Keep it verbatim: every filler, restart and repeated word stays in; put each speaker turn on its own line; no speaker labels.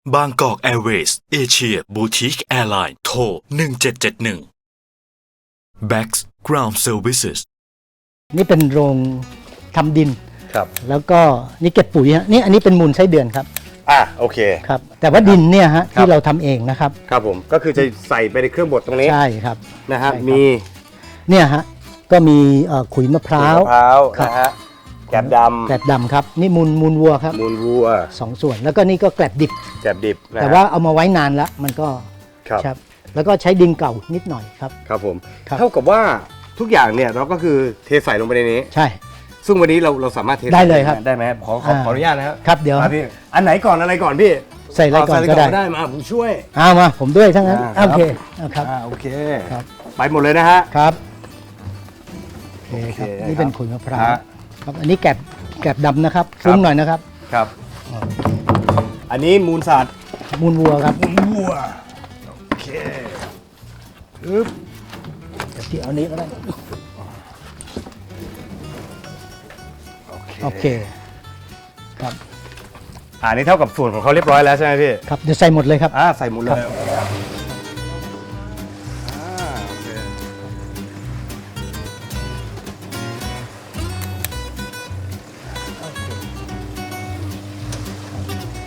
บางกอกแอร์เวย์สเอเชียบูติกแอร์ไลน์โทรหนึ่งเจ็ดเจ็ดหนึ่ง Bax Ground Services
นี่เป็นโรงทำดิน
ครับ
แล้วก็นี่เก็บปุ๋ยฮะนี่อันนี้เป็นมูลไส้เดือนครับ
อ่ะโอเค
ครับ แต่ว่าดินเนี่ยฮะ
ครับ
ที่เราทำเองนะครับ
ครับผมก็คือจะใส่ไปในเครื่องบดตรงนี้
ใช่ครับ
นะฮะ
ใช่ครับ
มี
เนี่ยฮะก็มีเอ่อขุยมะพร้าว
มะพร้าว
ครับ
นะฮะแกบด
แกลบดำครับนี่มูลมูลวัวครับ
ำมูลวัว
สองส่วนแล้วก็นี่ก็แกลบดิบ
แกบดิบนะฮะ
แต่ว่าเอามาไว้นานแล้วมันก็
ครับ
ครับแล้วก็ใช้ดินเก่านิดหน่อยครับ
ครับผม
ครับ
เท่ากับว่าทุกอย่างเนี่ยเราก็คือเทใส่ลงไปในนี้
ใช่
ซึ่งวันนี้เราเราสามารถเท
ได้เลยครับ
ได้ไหมขอขอ
อ่า
ขออนุญาตนะครับ
ครับเดี๋ยว
มาพี่อันไหนก่อนอะไรก่อนพี่
ใส่อะไรก่อน
เา
ก็ได้
ได้มาผมช่วย
เอามาผมด้วยทั้งนั้น
อ่า
โอเค
ครับ
เอาครับ
อ่าโอเค
ครับ
ไปหมดเลยนะฮะ
ครับโอเคครับ
โอเค
นี่เป็น
ครับ
ขุยมะพร้าว
ฮะ
ครับอันนี้แกลบแกลบดำนะครับ
ครับ
ซุ้มหน่อยนะครับ
ครับ อันนี้มูลสัตว์
มูลวัวครับ
วัวโอเคอึ๊บ
เดี๋ยวที่เอานี้ก็ได้
โอเค
โอเคครับ
อ่านี่เท่ากับส่วนของเขาเรียบร้อยแล้วใช่ไหมพี่
ครับเดี๋ยวใส่หมดเลยครับ
อ่าใส่หมดเลย
ครับ